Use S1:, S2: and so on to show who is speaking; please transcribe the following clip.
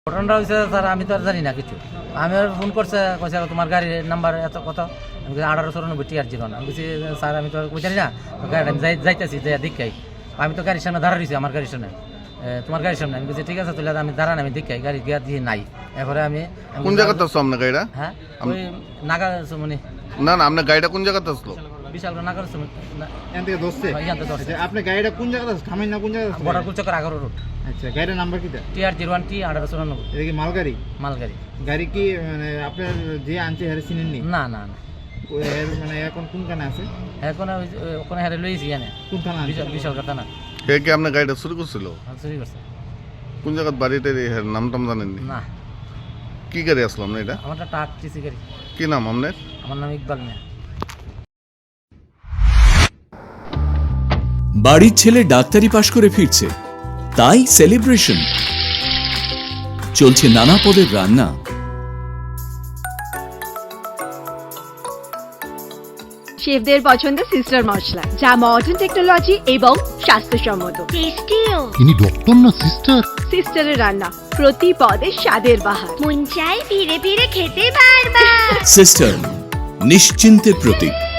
S1: ঘটনাটা হয়েছে স্যার, আমি তো আর জানি না কিছু। আমি আর ফোন করছে, কইছে তোমার গাড়ির নাম্বার এত কত, আমি 1894 TR01। আমি বলছি স্যার আমি তো আর জানি না, গাড়ি আমি যাইতেছি যাই দেখাই। আমি তো গাড়ির সামনে দাঁড়া রয়েছি, আমার গাড়ির সামনে, তোমার গাড়ির সামনে। আমি বলছি ঠিক আছে তাহলে আমি দাঁড়ান, আমি দেখাই গাড়ি গিয়া দিয়ে নাই। এরপরে আমি
S2: কোন জায়গাতে আসলো আপনার গাড়িটা?
S1: হ্যাঁ ওই নাগা মানে
S2: না না, আপনার গাড়িটা কোন জায়গাতে আসলো?
S1: বিশাল নাগা
S3: এখান থেকে দোষছে।
S1: এখান থেকে ধরছে।
S3: আচ্ছা, আপনার গাড়িটা কোন জায়গাতে আছে? থামেন না কোন জায়গাতে আছে?
S1: বর্ডার কুলচক্কর 11 রোড,
S3: আচ্ছা, গাড়ির নাম্বার কিটা?
S1: TR01 T1894
S3: এটা কি মালগাড়ি?
S1: মালগাড়ি।
S3: গাড়ি কি মানে আপনার যে আনছে হ্যারে চিনেননি?
S1: না না না,
S3: ওই এর মানে এখন কোন কানে আছে?
S1: এখন ওখানে হারে লইছি জানে
S3: কোন থানা আছে?
S1: বিশাল কথা না,
S2: কে কে আপনার গাড়িটা শুরু করছিল?
S1: চুরি করছে।
S2: কোন জায়গার বাড়িতে নাম টাম জানেননি?
S1: না,
S2: কি গাড়ি আসলো আপনার এটা?
S1: আমারটা টাক টিসি গাড়ি।
S2: কি নাম আপনার?
S1: আমার নাম ইকবাল মিয়া।
S4: বাড়ির ছেলে ডাক্তারি পাশ করে ফিরছে, তাই সেলিব্রেশন চলছে। নানা পদের রান্না,
S5: শেফদের পছন্দ সিস্টার মশলা, যা মডার্ন টেকনোলজি এবং স্বাস্থ্যসম্মত। টেস্টিও।
S6: ইনি ডক্টর না সিস্টার?
S5: সিস্টারের রান্না প্রতি পদে স্বাদের বাহার।
S7: মন চাই ফিরে ফিরে খেতে বারবার।
S4: সিস্টার নিশ্চিন্তের প্রতীক।